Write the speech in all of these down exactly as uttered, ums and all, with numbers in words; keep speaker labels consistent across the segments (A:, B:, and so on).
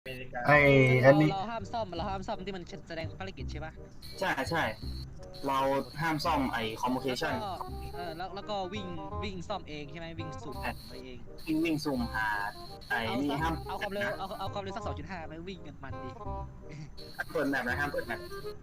A: ไอ้อันนี้
B: เราห้ามซ่อมเราห้ามซ่อมที่มันแสดงภารกิจใช่ปะ
C: ใช่ใช่เราห้ามซ่อมไอ้คอมมูนิเคชัน
B: เออแล้วแล้วก็วิ่งวิ่งซ่อมเองใช่ไหมวิ่งสุ่มไปเอง
C: วิ่งวิ่งซูมหาไอ้นี่ห้าม
B: เอาความเร็วเอาเอาความเร็วสักสองจุดห้าไปวิ่งกันมันดิ
C: ห้ามเปิดแมปนะห้ามเปิดแมป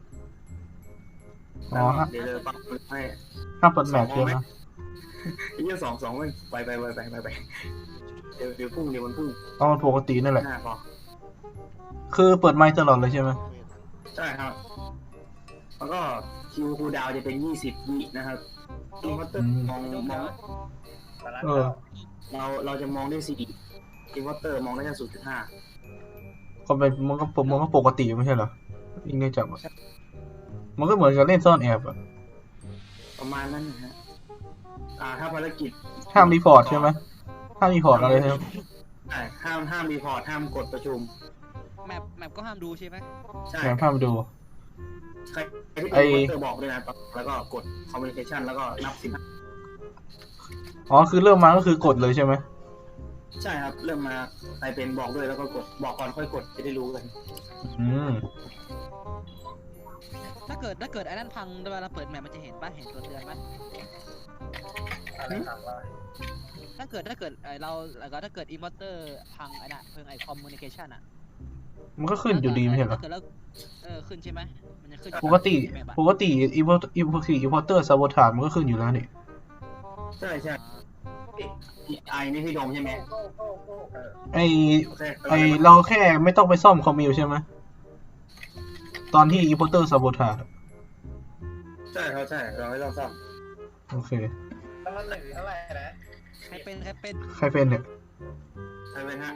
A: อ๋อ
C: เดี๋ยวเลยปักให้
A: ห้ามเปิดแมปใช่ไหม
C: ยี่สองสองไปไปไปไปไปไปเดี๋ยวเดี๋ยวพุ่งเดี๋ยวมันพุ่ง
A: เอามันปกตินั่นแหละ
C: พอ
A: คือเปิดไมค์ตลอดเลยใช่ไหม
C: ใช่ครับแล้วก็คิวคูดาวจะเป็นยี่สิบวินะครับอินเวอร์เตอร์มองมอง
A: เออ
C: เราเราจะมองได้สี่อินเวอร์เตอร์มองได้แค่ศูนย์จุดห้า
A: ก็เป็นมันก็มันก็ปกติไม่ใช่เหรอยิ่งได้จับมันก็เหมือนกับเล่นซ่อนแอบอะ
C: ประมาณนั้นนะฮะอ่าถ้าภารกิจ
A: ห้ามรีพอร์ตใช่ไหมห้ามรีพอร์ตอะไรครับ
C: ใช่ห้ามห้ามรีพอร์ตห้ามกดประชุม
B: แมปแมปก็ห้ามดูใช่ไหม
C: ใช่
A: ห้ามดู
C: ใครที่เป็นเตอร์บอกด้วยนะแล้วก็กดคอมมิวนิเคชันแล้วก็นับสิบ
A: อ๋อคือเริ่มมาก็คือกดเลยใช่ไหม
C: ใช่ครับเริ่มมาใครเป็นบอกด้วยแล้วก็กดบอกก่อนค่อยกดจะได้รู้กัน
A: อืม
B: ถ้าเกิดถ้าเกิดไอ้นั่นพังเวลาเปิดแมปมันจะเห็นป่ะเห็นตัวเตือนป่ะถ้าเกิดถ้าเกิดไอเราแล้วก็ถ้าเกิดอินเวอร์เตอร์พังไอ้น่ะเพิ่งไอคอมมูนิเคชันอ่ะ
A: มันก็ขึ้นอยู่ดีไม่ใช่เหรอ
B: เออขึ้นใช่ไหมมันจะขึ้น
A: ปกติปกติอีโวอีโวอีโวเตอร์ซาโบทาร์มันก็ขึ้นอยู่แล้วนี่
C: ใช่ใช่ไอนี่พี่ดมใช่ไหม
A: ไอไอเราแค่ไม่ต้องไปซ่อมคอมมิวใช่ไหมตอนที่อีโวเตอร์ซาโบทาร์
C: ใช่เขาใช่เราไม่ต้องซ่อม
A: โอเค
C: ตั้งแต่หนึ่งเท่าไหร่นะ
B: ใครเป็นใครเป็น
A: ใครเป็นเนี่ย
C: ใครเป็นฮะ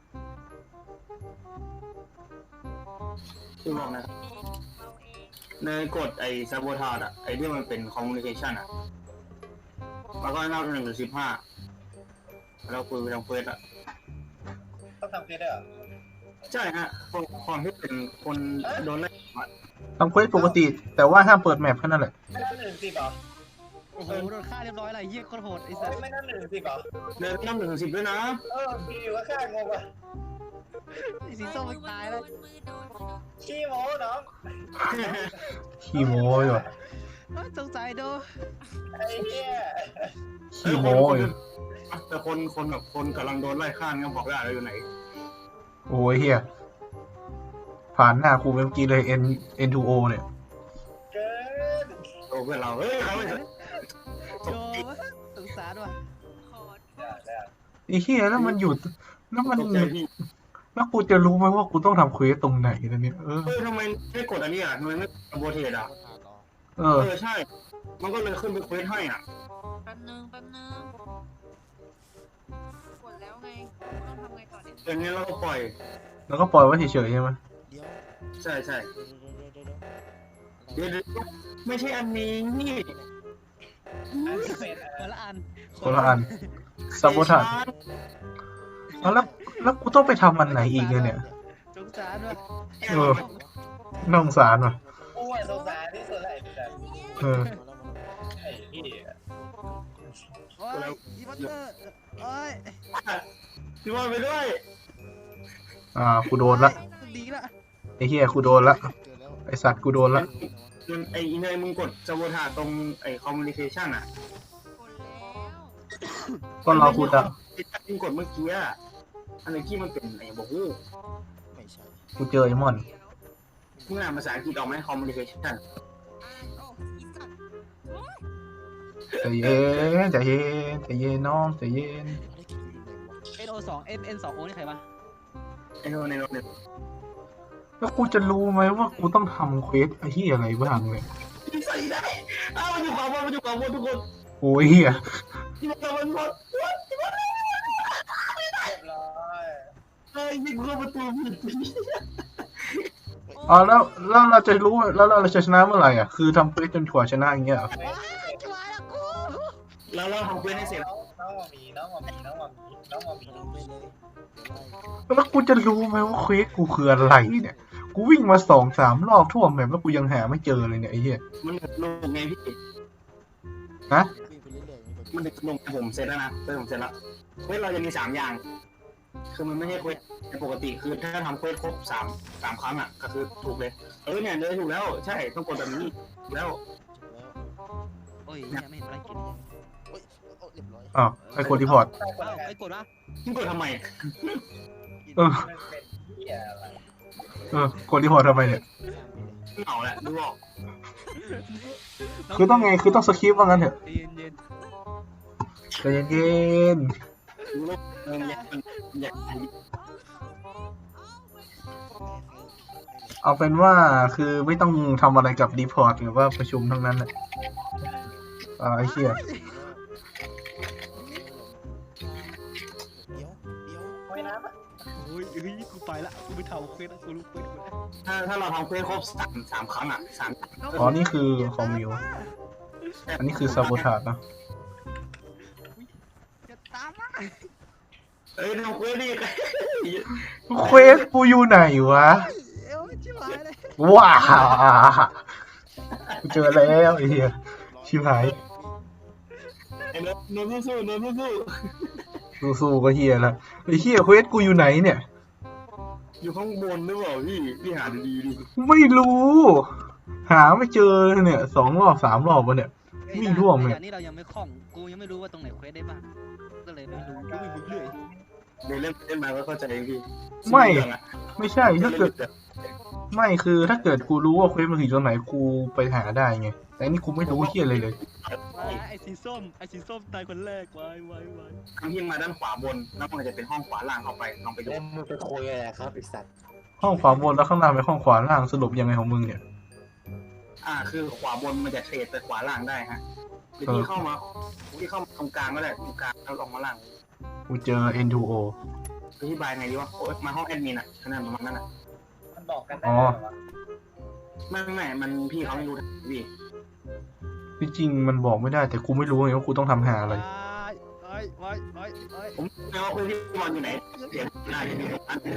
C: ที่บอกนะเนยกดไอ้ซาโบทาร์อ่ะไอ้ที่มันเป็นคอมมูนิเคชันอ่ะแล้วก็นับหนึ่งถึงสิบห้าเราคุยไปทางเฟซอ่ะ
D: ต้องทำเฟซด้วยเหรอ
C: ใช่ฮะคนคนที่เป็นคนโดนไล่
A: ทำเควสปกติแต่ว่าห้ามเปิดแมปแค่นั้นแหละ
D: ไม่นับหนึ่งสิบเหรอ
B: โอ้โหโดนฆ่าเรียบร้อยเลยเยี่ยโคตรโหดไอ้สั
D: สไม่นับหนึ่งสิบเหรอ
C: เดินนับหนึ่งถึงสิบด้วยนะ
D: เออมีอยู่ก็แค่งงอ่ะ
B: สีส้มมันตายแล้ว
D: ขี้โม้น้อง
A: ขี้โม้อยู่
B: สงสัยดู
D: ไอ้เหี้ย
A: ขี้โม้อยู่
C: แต่คนคนแบบคนกำลังโดนไล่ฆ่าเนี่ยบอกได้อะไรอยู่ไหน
A: โอ้ยเฮียผ่านหน้าครูเมื่อกี้เลย N N ทู O เนี่ย
D: เกิน
C: โอ้เพื่อนเราเฮ้ยเขาไม่
B: โอ้สงสารว่ะ
A: ไอ้เฮียแล้วมันหยุดแล้วมันแล้วกูจะรู้ไหมว่ากูต้องทำเควสตรงไหนเนี่ยเออ
C: ทำไมไม่กดอันนี้อ่ะทำไมไม่โบเทดอ่ะ
A: เออ
C: ใช่มันก็เลยขึ้นไปเควสให้อ่ะ
E: แป๊บนึงแป๊บนึงกดแล้วไงต้องทำไงต่อเนี่ย
C: อย่างนี้เราก็ปล่อย
A: แล้วก็ปล่อยไว้เฉยๆใช่ไหม
C: ใช่ใช่เดี๋ยวไม่ใช่อันนี้นี่
B: คนละอัน
A: คนละอันซาโบทาร์แล้วแล้วกูต้องไปทำอันไหนอีกเนี่ย
B: สงสารว่ะ
A: เออน่าสงสารว่ะ
D: กูอ่ะสงสารที่สุดเลย
A: เออ
D: ไอ้พี่
B: โอ้ยอีบัตเตอร์โอ้ย
C: พี่ว่าไปด้วย
A: อ่ากูโดนละ
B: ดีละ
A: ไอ้เหี้ยกูโดนละไอสัตว์กูโดนละ
C: ไอ้เนยมึงกดซาโบทาร์ตรงไอ้คอมมูนิเคชันอ่ะ
A: ก็รอกูดัง
C: มึงกดเมื่อกี้อ่ะอันนี้ที่มันเป็นไอ้บอกฮู้
A: กูเจอไอ้มอน
C: มึงอ่านภาษาอังกฤษออกไหมคอมมูนิเคชัน
A: ใจเย็นใจเย็นใจเย็นน้องใจเย็น
B: เอ็น โอ สอง เอ็น เอ็น สอง โอ นี่ใครวะ
C: ไอ้โน่นไอ้โน่น
A: แล้วกูจะรู้ไหมว่ากูต้องทำเควสไอ้ที่อะไรบ้างเนี่ย
C: ใส่ได้อ้าวมันอยู่ขวาบนมันอยู่ขวาบนทุกคน
A: โอ้ยเฮีย
C: ที่มันจะมันหมดที่มันเรี
D: ยบร้อย
C: เฮ้ยยิงเข้าประตูผิด
A: อ๋อแล้วแล้วเราจะรู้แล้วเราจะชนะเมื่อไหร่อ่ะคือทำเควสจนถั่วชนะอย่างเงี้ยเหรอ
C: แล้วเราทำเควสให้เสร็จ
D: น้องมามีน้องมามีน้องมามีน้องมามี
A: แล้วกูจะรู้ไหมว่าเควสกูคืออะไรเนี่ยกูวิ่งมาสองสามรอบทั่วแมปแล้วกูยังหาไม่เจอเลยเนี่ยไอ้เหี้ย
C: มันลงไงพี่
A: ฮะ
C: มันลงผมเสร็จแล้วนะเสร็จผมเสร็จแล้วเฮ้ยเราจะมีสามอย่างคคือมันไม่ใช่เควสในปกติคือถ้าทำเควสครบสามสามครั้งอ่ะก็คือถูกเลยเออเนี่ยเลยถูกแล้วใช่ต้องกดแบบนี้ถูกแล้ว
B: โอ้ยเนี่ยไม่เห็นอะไรกิน
F: เฮ้ยโอ้เรียบร้อย
A: อ้าวไอ้กดรีพอร์ต
D: ใช่คน
B: เอ้า
D: ละกัน
B: ไอ้กดวะ
C: มึงกดทำไม
A: เออ
D: มันเป็นเหี้ยอะไร
A: เออกดรีพอร์ตทำไมเนี่ย
C: เหงาแหละดูออก
A: คือต้องไงคือต้องสคริปต์ว่างั้นเถอะ
B: เย็นเย็น
A: ใจเย็น
C: ดูโลกเออมันอยากมันอยาก
A: ๆเอาเป็นว่าคือไม่ต้องทำอะไรกับรีพอร์ตหรือว่าประชุมทั้งนั้นแหละอ่าไอ้เชี่ย
F: เดี๋ยวเดี๋ยว
D: ไม่นะ
B: โอ้ยเฮ้ยกูไปละกูไปเท่าเควสแล้วกูรู้เควสกูแล้ว
C: ถ้าถ้าเราทำเควสครบสามสามครั้งอ่ะสาม
A: อ๋อนี่คือคอมมิวอันนี้คือซาโบทาจนะ
B: จะตามมา
C: เอ้ยทำเควสดิ
A: เควสกูอยู่ไหนวะ
B: เอ้ยชิบหายเลย
A: ว้ากูเจอแล้วไอ้เหี้ยชิบหาย
C: ไอ้เนิร์ดเนิร์ดสู้ๆเนิร์ดสู้
A: สู้ๆก็เหี้ยละไอ้เหี้ยเควสกูอยู่ไหนเนี่ย
C: ๆอยู่ข้างบนหรือเปล่าพี่พี่หาดีๆดิ
A: ไม่รู้ หาไม่เจอเนี่ยสองรอบสามรอบวะเนี่ย วิ่งร่วมเลย
B: อันนี้เรายังไม่คล่องกูยังไม่รู้ว่าตรงไหนเควสได้บ้างก็เลยไม่รู้ก็วิ่งไปเรื่อย
C: เดี๋ยวเล่นเล่นมาก็เข้าใจเองพี่
A: ไม่
C: เรื่องอะ
A: ไม่ใช่ถ้าเกิดไม่คือถ้าเกิดกูรู้ว่าเควสมันอยู่ตรงไหนกูไปหาได้ไงแต่อันนี่กูไม่รู้เหี้ยอะไรเลย
B: ว้ายไอ้สีส้มไอ้สีส้มตายคนแรกวายวายวาย
C: ครั้งที่มาด้านขวาบนแล้วมันจะเป็นห้องขวาล่างเข้าไปลองไปดู
F: เล่นมึงไปคุยอะไรครับไอสัตว์
A: ห้องขวาบนแล้วข้างล่างเป็นห้องขวาล่างสรุปยังไงของมึงเนี่ย
C: อ่าคือขวาบนมันจะเทรดไปขวาล่างได้ฮะหรือที่เข้ามาที่เข้ามาตรงกลางก็ได้ตรงกลางแล้วลงมาล่าง
A: กูเจอ เอ็น ทู โอ
C: อธิบายไงดีวะโอ๊ยมาห้องแอดมินอ่ะขนาดประมาณนั้นอ่ะ
D: มันบอกกันได้
A: อ๋อ
D: เหรอวะ
C: ไม่ไม่มันพี่เขาไม่รู้พี่
A: จริงๆมันบอกไม่ได้แต่กูไม่รู้ไงว่ากูต้องทำหาอะไร
B: วายว้ายว้ายว้ายว้าย
C: ผมไม่ว่าคุณพี่บอลอยู่ไหนเสียงน่าจะมีอัน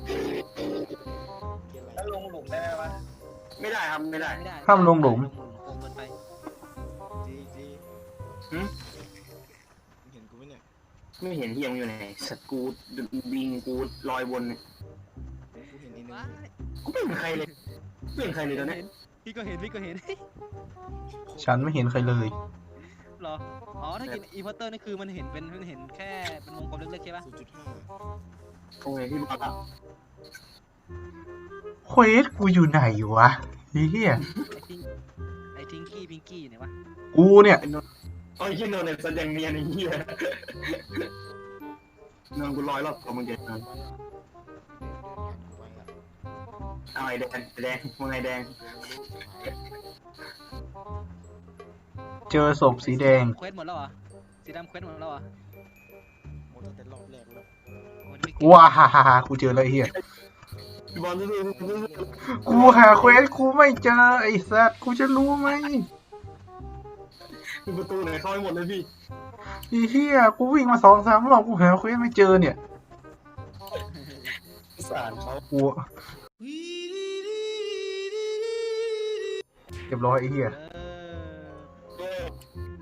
F: เกี่ยวอะไร
D: แล้วลงหลุมได้ไหมวะ
C: ไม่ได้ครับไม่ได้
B: ไม่ได้
A: ห้ามลงหลุม
B: ลงหลุมโกงเกินไป
F: จีจี
C: หืม
F: มึงเห็นกูไหมเนี่ย
C: ไม่เห็นเฮียมอยู่ไหนสกูดบิงกูลอยบนเนี่ย
F: กูเห็นไอ้นึง
B: ว้าย
C: กูไม่เห็นใครเลยไม่เห็นใครเลยตอนนี้
B: พี่ก็เห็นพี่ก็เห็น
A: ฉันไม่เห็นใครเลย
B: เหรออ๋อถ้ากินอีพอร์เตอร์นี่คือมันเห็นเป็นมันเห็นแค่เป็นวงกลมเล็กๆใช่ปะ
F: ศูนย์จุดห้า
C: โอเคพี่บอลอะ
A: เควสกูอยู่ไหนวะเฮีย
B: ไอ้ทิงไอ้ทิงกี้พิงกี้อยู่ไหนวะ
A: กูเนี่ย
C: โอ้ยเฮียโนนเนี่ยแสดงเนียนไอ้เฮียนอนกูลอยรอบตัวมึงเด็ดนอน
F: ไปอ่ะเดินเดินผ่านกูไปอ่ะ
C: เอาไอ้แดงไอ้แดงมึงไอ้แดง
A: เจอศพสีแดง
B: เควสหมดแล้วเหรอสีดำเควสหมดแล้วเหรอ
F: หมดตั้งแต่รอบแรกแล้ว
B: โอ้ยไม่เก่ง
A: ว้าฮ่าฮ่าฮ่ากูเจอแล้วไอ้เฮีย
C: พี่บอลสู้ๆสู้
A: กูหาเควสกูไม่เจอไอ้สัตว์กูจะรู้ไหม
C: ๆมีประตูไหนเข้าให้หมดเลยพี่
A: ไอ้เฮียกูวิ่งมาสองสามรอบกูหาเควสไม่เจอเนี่ย
F: สารเขา
A: กูเรียบร้อยไอ้เฮีย
B: เออ
C: เออ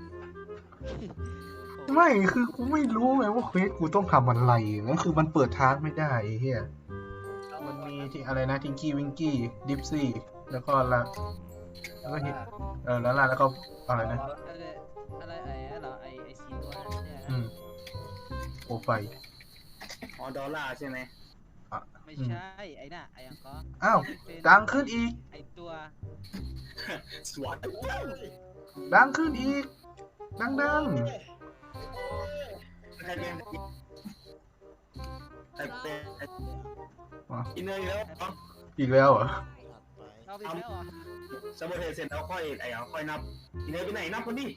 A: ไม่คือกูไม่รู้ไงว่าเควสกูต้องทำอะไรนั่นคือมันเปิดทางไม่ได้ไอ้เฮียมันมีที่อะไรนะทิงกี้วิงกี้ดิฟซี่แล้วก็ละแล้วก็ฮิตเออแล้วล่ะแล้วก็อะไรนะ
B: อะไรอะไรไอ้เหรอไอ้ไอ้สีตัวนั้นใช่ไหม
A: อืมโปรไฟล์
C: อ๋อดอลลาร์ใช่ไหม
B: ไม่ใช่ไอ้น่ะไอ้ยังก็
A: อ้าว
B: เป็น
A: ดังขึ้นอีก
B: ไอ้ตัว
C: สวัสดี
A: ดังขึ้นอีก ดังดัง
C: ใครเป็นใครเป็นอินเนอร์แล้ว
A: อีกแล้วเหรอ
F: ถัดไป
B: เราไปแล้วเหรอ
C: ซับเบอร์เทเสร็จแล้วค่อยไอ้เอาค่อยนับอินเนอร์ไปไหนนับคนดิ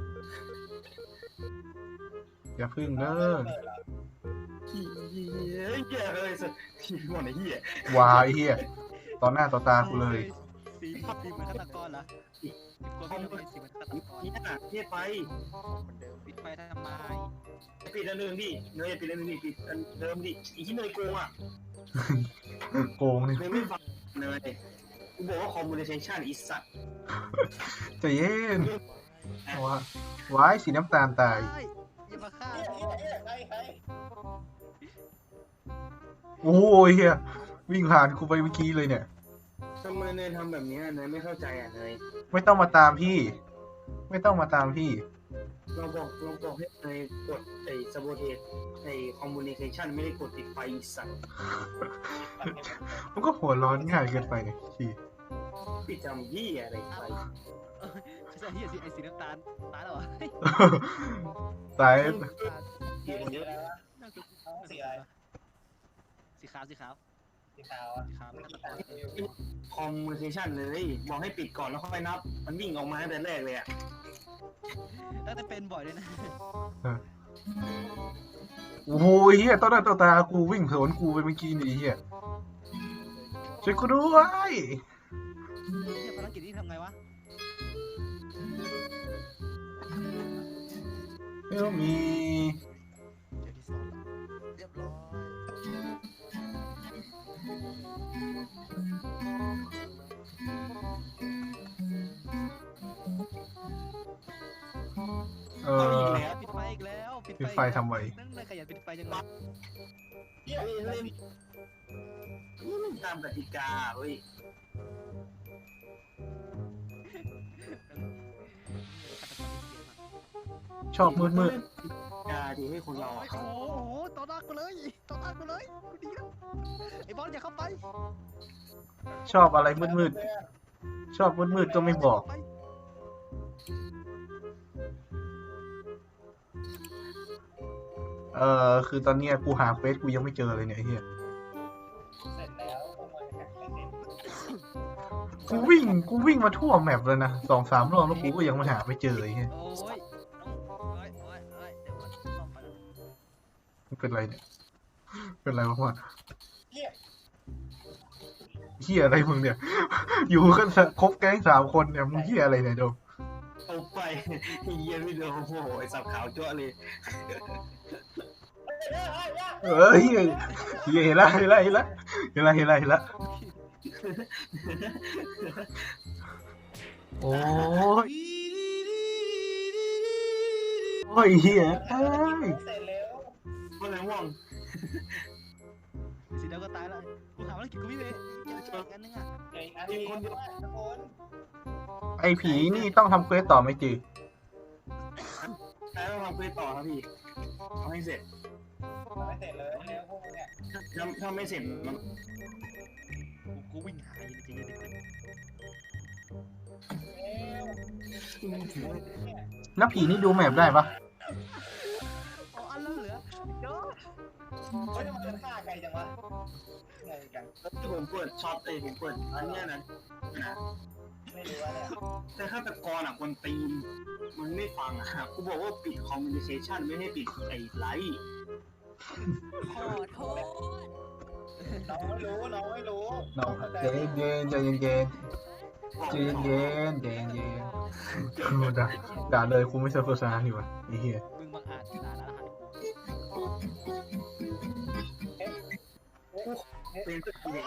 A: อย่าพึ่งเด้อ
C: เฮียเฮียเลยสุดที่หมดไอ้เฮียว
A: ายเฮียต่อหน้าต่อตากูเลย
B: สีสีเหมือนฆาตกรเหรอสีกลัวพี่ทำไมสีเหมือนฆาตกร
C: เฮียเฮียไป
F: เหมือนเดิม
B: ปิดไฟทำไม
C: ปิดอันหนึ่งดิเนยปิดอันหนึ่งดิปิดอันเดิมดิอีที่เนยโกงอ่ะ
A: โกงนี่
C: เนยไม่ฟังเนยกูบอกว่าคอมมูนิเคชันอีสัตว์
A: ใจเย็นว้าว้ายสีน้ำตาลตาย
B: เฮ้ยอย่ามาฆ่า
D: เอ๊ะเอ๊ะเอ๊ะใครใคร
A: โอ้ยเฮียวิ่งผ่านกูไปเมื่อกี้เลยเนี่ย
C: ทำไมเนยทำแบบนี้เนยไม่เข้าใจอ่ะเนย
A: ไม่ต้องมาตามพี่ ไม่ต้องมาตามพี่
C: เราบอกเราบอกให้เนยกดไอ้สโบเทสไอ้คอมมูนิเคชันไม่ได้กดติดไฟอีสัตว์
A: มันก็หัวร้อนง่ายเกินไปเนี่ยพี่
C: ปิดจำยี่อะไรไฟ
B: ใช่เฮียสีไอสีน้ำตาลตายแล้วเหรอ
A: ตาย
C: สีมันเยอะ
D: สีอะไร
B: สีขาวสีขาว
D: สีขาวอ่ะ
B: สีขาว
C: คอมมูนิเคชันเลยบอกให้ปิดก่อนแล้วค่อยนับ มันวิ่งออกมาตั้งแต่แรกเลยอ่ะ
B: ตั้งแต่เป็นบ่อยเลยนะ
A: โอ้ยเฮียตอนนั้นต่อตากูวิ่งสวนกูไปเมื่อกี้นี่เฮียช่วยกูด้วย
B: เฮียภารกิจนี้ทำไงวะ
A: เดี๋ยวมี
F: เจอที่ซ่อนแล้วเรียบร้อย
A: เอ
C: เอาอี
A: อก
C: แล้ว
B: ปิดไฟอีกแล้ว
A: ปิดไฟทำไม
B: นั่งเลยขยันปิดไฟจังเลย
C: เฮ้ยเล่นนี่มันตามกติกาเว้ย
A: ชอบมืดมืด
C: กาดีให้คนเรา
B: โอ้
C: อะ
B: โหต่อหน้ากูเลยต่อหน้ากูเลยกูดีแล้วไอ้บอลอย่าเข้าไป
A: ชอบอะไรมืดมืดชอบมืดมืดก็ไม่บอก เออคือตอนเนี้ยกูหาเฟซกูยังไม่เจอเลยเนี่ยไอ้เฮีย
D: เสร็จแล้วพวกมันแข่งไม่เสร็จ
A: กูวิ่งกูวิ่งมาทั่วแมปเลยนะสองสามรอบแล้วกูก็ยังไม่หาไม่เจอไอ้เฮีย
B: โอ้ยโอ้ยโอ้ยโอ้ยเดี๋ยวก่อนซ่อมไปแล้ว
A: มันเป็นไรเนี่ยเป็นไรวะพ่อ
D: เหี้ย
A: เฮียอะไรมึงเนี่ย อยู่กันครบแก๊งสามคนเนี่ยมึงเฮียอะไรเนี่ยโดม
C: เอาไปเยี่ยไม่โดนโอ้โหไอ้สับขาวจ้วเลย
A: เออเฮียเฮียเห็นละเห็นละเห็นละเห็นละเห็นละเห็นละโอ้ยโอ้ยเฮียเอ้ย
D: เสร็จแล้ว
C: เมื่อไหร่ว่อง
B: สีดำก็ตายแล้วกูหาภารกิจกูไม่เลยอีกอันนึงอ่ะ
D: เดี๋ยวอีกอันนี้คนเดียวทุกคน
A: ไอผีนี่ต้องทำเควสต่อไหมจี
C: แต่ต้องทำเพื่อต่อครับพี่เอาให้เสร็จ
D: ไม่เสร็จเลยแล้วพวกมึงเนี่ย
C: ถ้าถ้าไม่เสร็จมัน
B: กูกูวิ่งหาอยู่จริงๆ
D: เอ้ว
A: แล้วผีนี่ดูแมปได้ปะ
B: อ๋ออันแล้วเหลือเดี๋ยว
D: เฮ้ยทำไมมันฆ่าไกลจังวะไงกัน
C: ที่ผมเปิดช็อตเองผมเปิดอันเนี้ยนะนะ
D: ไม่รู้ว่าเนี่ย
C: แต่ฆาตกรอ่ะคนตีนมันไม่ฟังอ่ะกูบอกว่าปิดคอมมูนิเคชันไม่ให้ปิดไอ้ไลท์
E: ขอโทษ
D: น้องไม่รู้น้องไม่รู้
A: น้องใจเย็นใจเย็นใจเย็นใจเย็นใจเย็นด่าด่าเลยกูไม่ใช่โฆษณาอยู่วะไอ้เหี้ย
B: มึงบังอาจด่าแล้วฮะ
C: เป็นตัวเอง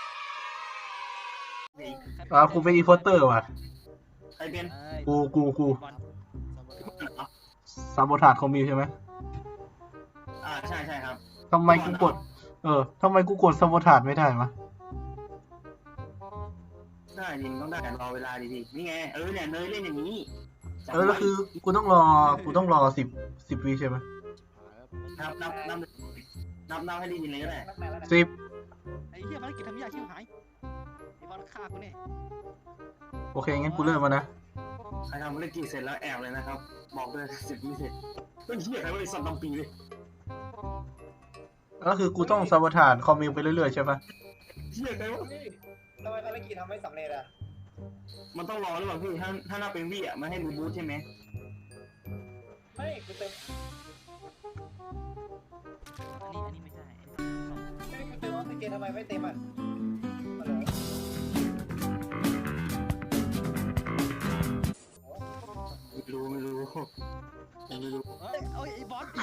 A: อ่ากูเป็นอีโพสเตอร์ว่ะ
C: ใครเป็น
A: กูกูกู
B: บอล
F: สามวัน
A: ซาโบทาดคอมมิวใช่ไหม
C: อ่าใช่ใช่ครับ
A: ทำไมกูกด เออทำไมกูกดซาโบทาดไม่ได้วะ
C: ได้จริงต้องได้รอเวลาดีๆนี่ไงเออเนี่ยเนยเล่นอย่างนี้
A: เออแล้วคือกูต้องรอกูต้องรอสิบสิบวิใช่ไหม
F: หายแล้ว
C: นับนับนับนับนับให้ดีๆเลยก็ได้
D: นักแม่แล้วนะ
A: สิบ
B: ไอ้เหี้ยภารกิจทำยากชิบหายไอ้บอลฆ่ากูเนี่ย
A: โอเคงั้นกูเริ่มมานะ
C: ใครทำธุรกิจเสร็จแล้วแอบเลยนะครับ บอกเลยเสร็จไม่เสร็จเฮ้ยเหี้ยใครบริษัทลำปีเลย
A: ก็คือกูต้องซาโบทาดคอมมิวไปเรื่อยๆใช่ปะ
C: เหี้ยใครวะ
D: เฮ้ยทำไมภารกิจทำไม่สำเร็จอ่ะ
C: มันต้องรอหรือเปล่าพี่ถ้าถ้านับเป็นวิอ่ะมันให้รีบูทใช่ไหม
D: ไม่กูเติม
B: อันนี้อันนี้ไม่ใช่
D: ไม่กูเติมออกซิเจนทำไมไม่เต็มอ่ะฮัลโหล
C: ไม่รู้ไม่รู้ไม่รู้
B: เฮ้ยโอ้ยไอ้บอล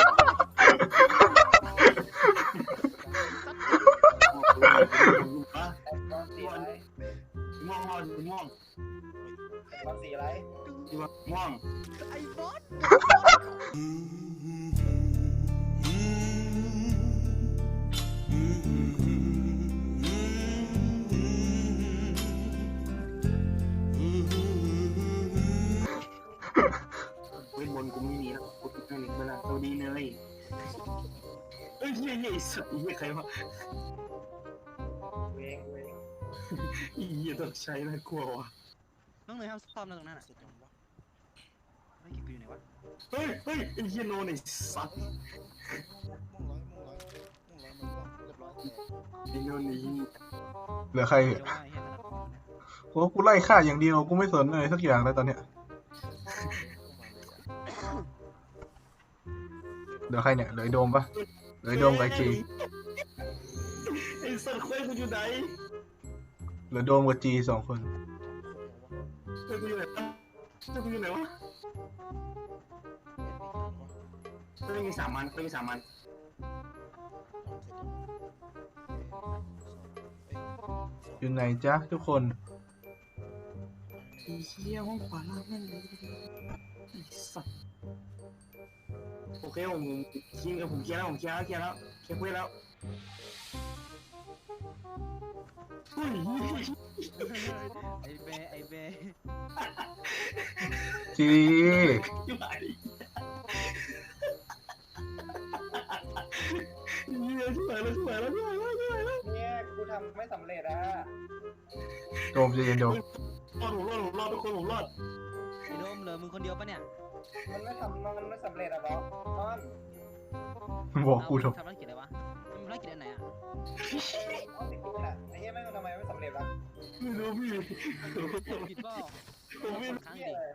C: อ่ะ
D: ไอ้บอลสีอะไร
C: ม่วงม่วงม่วง
D: ไอ้บอลสีอะไร
C: ม่วง
B: ไอ้บอล
C: เฮียเฮียไอ้สัตว์เฮียใครวะ
D: เวงเวง
C: เฮียต้องใช้น่ากลัวว่ะ
B: น้องเนยห้ามซ่อมนะตรงนั้นอ่ะ
F: เสร็จยังวะ
B: ไม่เก็บกูอยู่ไหนวะ
C: เฮ้ยเฮ้ยไอ้เฮียโนนไอ้สัตว์
F: มุ่งร้อยมุ่งร้อยมุ่งร้อยมันก็เรียบร้อยแต่
C: ไอ้โนนนี่
A: เหลือใคร
B: เดี๋ยวว่าไอ้เหี้ยขนาดนั้นนะ
A: โอ้กูไล่ฆ่าอย่างเดียวกูไม่สนเลยสักอย่างเลยตอนเนี้ย
F: เข้ามาเลยอ่ะ
A: เหลือใครเนี่ยเหลือไอ้โดมปะเหลือไอ้โดมกับไอ้จี
C: ไอ้สัตว์เคว้งกูอยู่ไหน
A: เหลือโดมกับจีสองคน
C: เคว้งกูอยู่ไหนวะเคว้งกูอยู่ไหนวะเคว้งมีสามมันเคว้งมีสามมัน
A: อยู่ไหนจ๊ะทุกคน
C: ไอ้เฮียห้องขวาล่างนั่นเลยไอ้สัตว์โอเคผมผมเคลียร์ผมเคลียร์แล้วผมเคลียร์แล้วเคลียร์แล้วเคลียร์เพื่อนแล้วเฮ้ย
B: ไอ้เบไอ้เบ
A: จี
C: อยู่ไหนเฮียช่วยแล้วช่วยแล้วช่วยแล้วช่วยแล้ว
D: เนี่ยกูทำไม่สำเร็จอ่ะ
A: โดมใจเย็นโดม
C: รอดผมรอดผมรอดทุกคนผมรอด
B: ไอ้โดมเหลือมึงคนเดียวปะเนี่ย
D: มันไม่ทำมันไม่สำเร็จอ่ะบอสตอน
A: บอกกู
B: เอา
A: ทำ
B: ทำธุรกิจอะไรวะทำธุรกิจอันไหนอ่ะ
D: เอาติดกินอ่ะไอ้เหี้ยแม่งทำไมไม่สำเร็จวะ
C: ไม่รู้พี่
B: ผิดเปล่า
C: ผมไม่
B: ครั้ง
D: เหี้ย
B: ดิ
D: เลย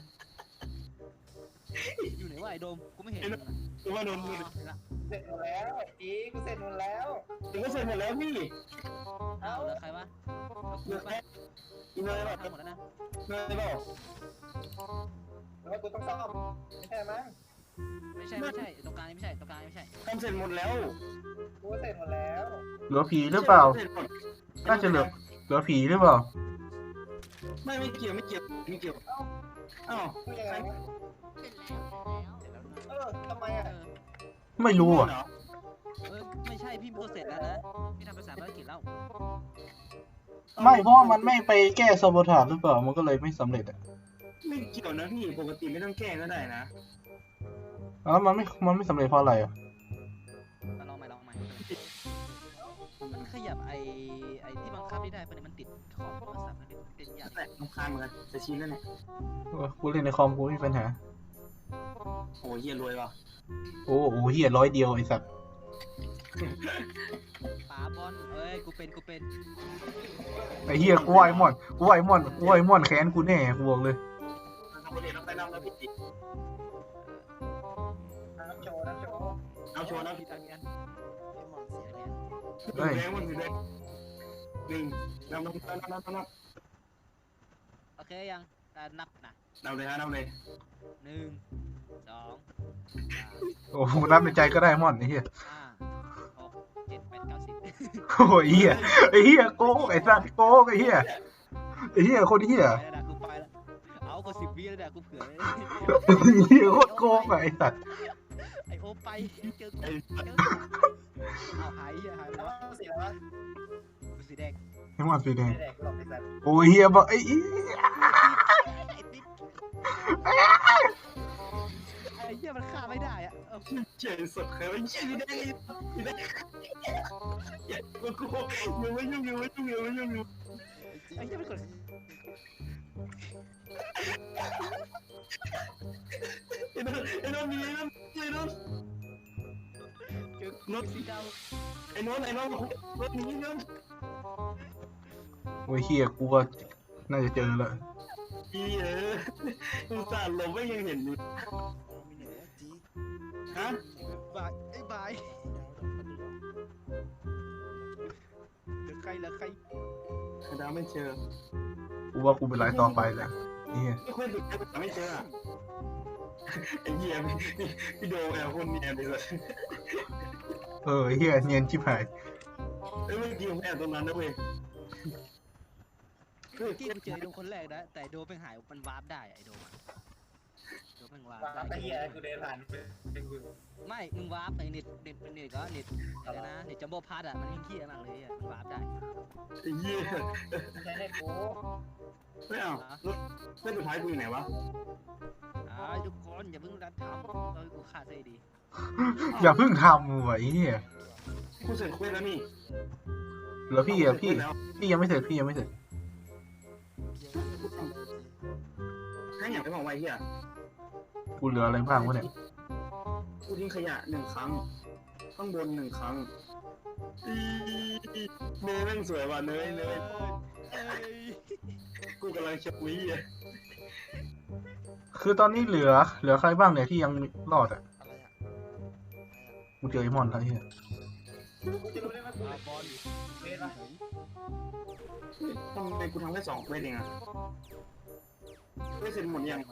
B: อยู่ไหนวะไอ้โดมกูไม่เห็นมึงอะ
C: รู้ว่านนท์
B: อ๋อเห็นละ
D: เสร็จหมดแล้วจีกูเสร็จหมดแล้ว
C: ถึงก็เสร็จหมดแล้วพี่
B: เอาเหลือใครวะเหลือกู
C: เลือก
B: ปะ
C: แค่อีเนยแบบ
B: ทำหมดแล้วนะ
C: เนยเปล่า
D: หรือว่ากูต้องซ่อมไม่ใช่มั้ง
B: ไม่ใช่ไม่ใช่ตรงกลางนี่ไม่ใช่ตรงกลางนี่ไม่ใช่
C: ทำเสร็จหมดแล้ว
D: กูเสร็จหมดแล้ว
A: เหลือผีหรือเปล่า
C: สจหมด
A: น่าจะเหลือเหลือผีหรือเปล่า
C: ไม่ไม่เกี่ยวไม่เกี่ยวไม่เกี่ยวอ้าว
D: กูยังไงวะ
E: เสร็จแล้วเสร็จแล้ว
D: เออทำไมอ่ะ
B: เออ
A: ไม่รู้อ่ะ
C: เหรอ
B: เออไม่ใช่พี่ก็เสร็จแล้วนะพี่ทำภาษาภารกิจแล้ว
A: ไม่เพราะว่ามันไม่ไปแก้ซาโบทาจหรือเปล่ามันก็เลยไม่สำเร็จอ่ะ
C: ไม่เกี่ยวนะพี่ปกติไม่ต้องแก้ก็ได้นะ
A: แล้วมันไม่มันไม่สำเร็จเพราะอะไรอ่ะ
B: มาลองใหม่ลองใหม่มันขยับไอไอที่บังคับไม่ได้ปะเนี่ยมันติดขอบโทรศัพท์มันเป็นอย่าง
C: แต่ลำคาญเหมือนกันจะชี้แล้วเนี่ย
A: เออกูเล่นในคอมกูไม่มีปัญหา
C: โอ้ยเฮียรวยว่ะ
A: โอ้โหเฮียร้อยเดียวไอ้สัตว์
B: ป๋าบอลเอ้ยกูเป็นกูเป็น
A: ไอ้เฮียกูว่าไอ้มอนกูว่าไอ้มอนกูว่าไอ้มอนแค้นกูแน่กูบอกเลย
C: ทำประเด็นเราไปนำแล้วพี่ติ
D: น้ำโชว์น้ำโชว์
C: เอาโชว์นะ
B: ผิ
C: พี่
B: ดอันนี้
F: ไอ้หมอนเสีย
B: อัน
F: เนี่ย
B: นี้
C: แรงมันแรงหนึ่งนำนำนำนำนำน
B: โอเคยังการนับนะ
C: ำนำเลยฮะนำเลย
B: หนึ่งสองสาม
A: โอ้โหนับในใจก็ได้มอนไอ้เฮีย
B: ห้าหกเจ็ดแปดเก้าสิบ
A: โอ้ยเฮียไอ้เฮียโกงไอ้สัตว์โกงไอ้เฮียไอ้เฮียคนเฮีย
B: ไปแล้วนะกูไปแล้วเอาก็สิบวิแล้วเนี่ยกูเผื่อเลย
A: เฮียโคตรโกงอะไอ้สัตว์
B: ไอโอไปเจอกู
C: ไอ้
B: เจอกูเอาหายเหี้ยหายไป
D: น้
B: แล้ว
D: ำสีแล้ววะ
B: กูสีแดง
A: ไอ้มอนสีแดง
D: ไม่แดกกูหรอกไอ้สัตว์
A: โอ้ยเฮียบอกไอ้อี
B: ไอ้ติ๊ดไอ้เหี้ยมันฆ่าไม่ได้อะเอา
C: เจ๋งสุดเคยไม่ใช่ไม่ได้ไม่ได้อย่ากูกูยังไม่ยุ่งยังไม่ยุ่งยังไม่ยุ่งอยู่
B: ไอ้เหี้ยมันกด
C: ไอ้นนไอ้นนมีไอ้นนไอ้นน
B: เจอรถสีดำ
C: ไอ้นนไอ้นนรถนี้นน
A: โอ้ยเฮียกูก็น่าจะเจอแล้ว
C: อีเอออุตส่าห์หลบไม่ยังเห็นอยู่
F: มีหนึ่งว่าจี
C: ฮะ
B: บายไอ้บายเหลือใครเหลือใคร
C: ดาวไม่เจอ
A: กูว่ากูเป็นไรต่อไปแหละเฮีย
C: ไม่ค่อยดูแต่ไม่เจอไอ้เหี้ยพี่โดแอบคนเนียนเลย
A: เออเฮียเนียนชิบหาย
C: เอ้ยเมื่อกี้ผมแอบตรงนั้นนะเว้ย
B: เมื่อกี้กูเจอไอ้โดมคนแรกนะแต่ไอ้โดมเป็นหายมันวาร์ปได้อะไอ้โดมอะโดมเป็นวาร์ป
D: ตาม
B: ได้
D: ไอ้เหี้ยกูเดินผ่านเป็นกู
B: ไม่มึงวาร์ปไอ้เน็ตเน็ตเน็ตก็เน็ตอะไรนะเน็ตจัมโบ้พาร์ตอะมันเฮี้ยมากเลยอะมันวาร์ปได้
C: ไอ้เหี้ย
D: ไม่ใช่เน็ตกู
C: ไม่เอารถเส้นสุดท้ายกูอยู่ไหนวะ
B: อ่าทุกคนอย่าเพิ่งรัดทำเราให้กูฆ่าซะดี
A: อย่าเพิ่งทำว่ะไอ้เหี้ย
C: กูเสร็จเควสแล้วนี่
A: แล้วพี่อ่ะพี่
C: เสร็จแล้ว
A: พี่ยังไม่เสร็จพี่ยังไม่เสร็จ
C: ให้อย่างไรบอกไว้เฮีย
A: กูเหลืออะไรบ้างวะเนี่ย
C: กูทิ้งขยะหนึ่งครั้ง ข้างบนหนึ่งครั้งอีเนยแม่งสวยว่ะเนยเนยกูกำลังชคุยอ่ะ
A: คือตอนนี้เหลือ เหลือใครบ้างเนี่ยที่ยังรอดอ่ะ
F: อะไรอ่ะ
A: กูเจอไอ้มอนแล้วไอ้เหี้ย
D: กูจะรู้ได้ไหมกูบอลเฟสปะ
C: ทำไมกูทำแค่สองเควสเองอ่ะไม่เสร็จหมดยัง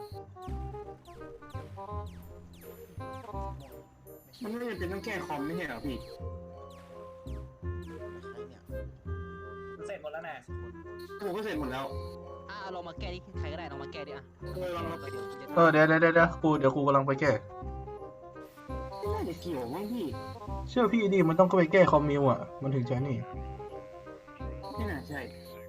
C: มันไม่จำเป็นต้องแก้คอมไม่ใช่เหรอพี่
F: ใครเนี่ย
D: เสร็จหมดแล้วแน่
C: กูก็เสร็จหมดแล้ว
B: อ่ะเอาลองมาแก้ดิใครก็ได้ลองมาแก้ดิอ่ะ
C: เออลองมา
B: เดี๋ยวกูจะ
A: เออเดี๋ยวเดี๋ยวเดี๋ยวเดี๋ยวกูเดี๋ยวกูกำลังไปแก้
C: ไม่น่าจะเกี่ยวมั้งพี่
A: เชื่อพี่ดิมันต้องก็ไปแก้คอมมิวอ่ะ มันถึงจะนี่
C: ไม่น่าใช่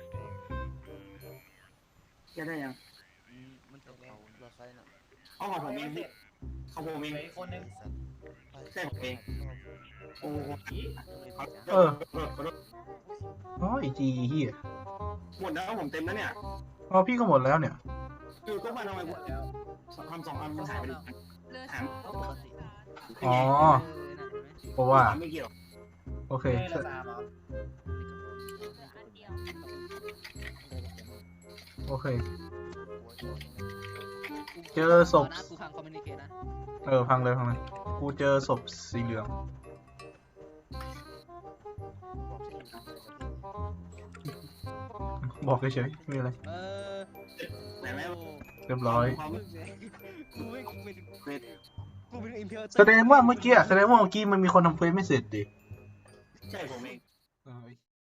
C: แกได้ยัง
B: อืมมัน
F: เดี๋
B: ต
F: ยว
B: ก
F: เรา
B: เขา
F: เราใครน่ะ
C: เอาของผมเองพี่ของผมเอง
D: เหลืออีกคนนึง
F: ไอ้สัตว์ไป
C: ใช่ผมเอง โอ้โห
A: เออ
C: เออ
A: อ๋อไอจีเฮีย
C: หมดแล้วผมเต็มแล้วเนี่ย
A: อ๋อพี่ก็หมดแล้วเนี่ย
C: คือก็มาทำไม
D: หม
C: กู
D: ดแล้ว
C: ทำสองอันมันหายไปดิ
E: เหลือ
C: หาย
E: สอง
B: ปกติ
A: อ๋อ
B: เออน่ะเห็นไหม
A: เพราะว่า
C: ไม่เกี่ยว
A: โอเค
D: เฟสละสามเหรอ
E: เหลืออันเดียว
A: โอเค
F: หัวโจร
A: เจอศพ
B: นะกูพังคอมมิวนิเคชนะ
A: เออพังเลยพังเลยกูเจอศพสีเหลือง
F: บอกที่อยู่
A: บอกเฉยๆไม่มีอะไร
B: เออ
C: ไหนไหม
A: เรียบร้อย
C: ความ
B: กูไม่กูไม่
C: เควส
B: กูเป็นอิมเพล
A: แสดงว่าเมื่อกี้อะแสดงว่าเมื่อกี้มันมีคนทำเควสไม่เสร็จดิ
C: ใช่ผมเอง
A: เออ